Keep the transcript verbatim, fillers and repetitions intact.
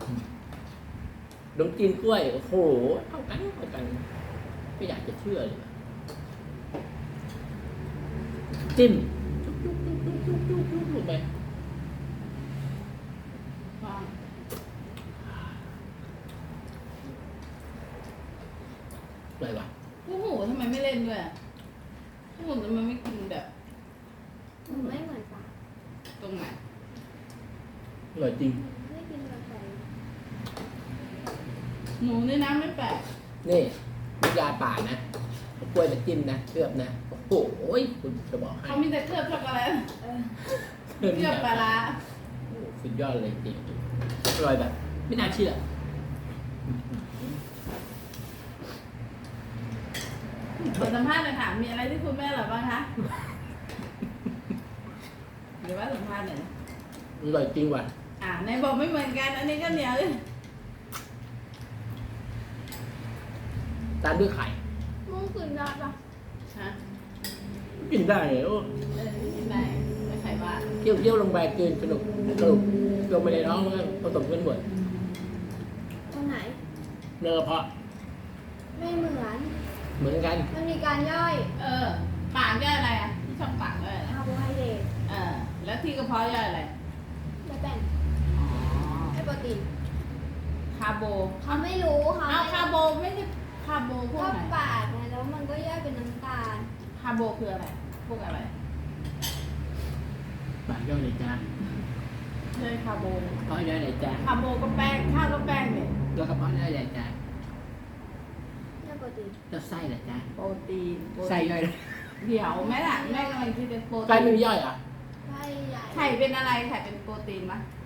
ขนมจีนกล้วยโอ้โหเท่ากันเท่ากันไม่อยากจะเชื่อเลยจิ้มจุ๊บจุ๊บจุ๊บจุ๊บจุ๊บจุ๊บจุ๊บลงไปอะไรวะโอ้โหทำไมไม่เล่นด้วยโอ้โหทำไมไม่กินแบบมันไม่เหมือนปลาตรงไหนอร่อยจริงไม่กินกาแฟหนูในน้ำไม่แปลกนี่มียาป่านะเอากล้วยมาจิ้มนะเคลือบนะโอ้โหคุณจะบอกให้เขามีแต่เคลือบช็อกโกแลตเออเคลือบปลาร้าโอ้โหสุดยอดเลยจริงอร่อยแบบ ไม่น่าเชื่อขอสัมภาษณ์หน่อยค่ะมีอะไรที่คุณแม่อร่อยบ้างคะหรือว่าสัมภาษณ์หน่อยนะอร่อยจริงว่ะอ่าในบอกไม่เหมือนกัน อันนี้ก็เหนียวเลยตามด้วยไข่มึงกินได้ปะฮะกินได้เลยโอ้เออกินได้ไม่ไข่ว่าเคี่ยวเคี่ยวลงไปกินสนุกสนุกลงไปในท้องแล้วผสมกันหมดตรงไหนเนื้อกระเพาะไม่เหมือนเหมือนกันมันมีการย่อยเออปากย่อยอะไรอ่ะที่ชอบปากย่อยอะไรคาร์โบไฮเดรตเออแล้วที่กระเพาะย่อยอะไรและแป้งอ๋อไอโปรตีนคาร์โบเขาไม่รู้เขาเอาไม่คาร์โบไม่ใช่คาร์โบพวกก็ไหนปากไงแล้วมันก็ย่อยเป็นน้ำตาลคาร์โบคืออะไรพวกอะไรปากย่อยในจานเลยคาร์โบเพาะย่อยในจานคาร์โบก็แป้งข้าวก็แป้งเนี่ยแล้วกระเพาะย่อยในจานและโปรตีนแล้วไส้ในจานโปรตีนโปรตีนไส้ย่อยเดี๋ยวแม่ล่ะแม่กำลังคิดเป็นโปรไส้ตีไม่นมีย่อยเหรอ่ะไส้ใหญ่ไข่เป็นอะไรไข่เป็นโปรตีนมะไ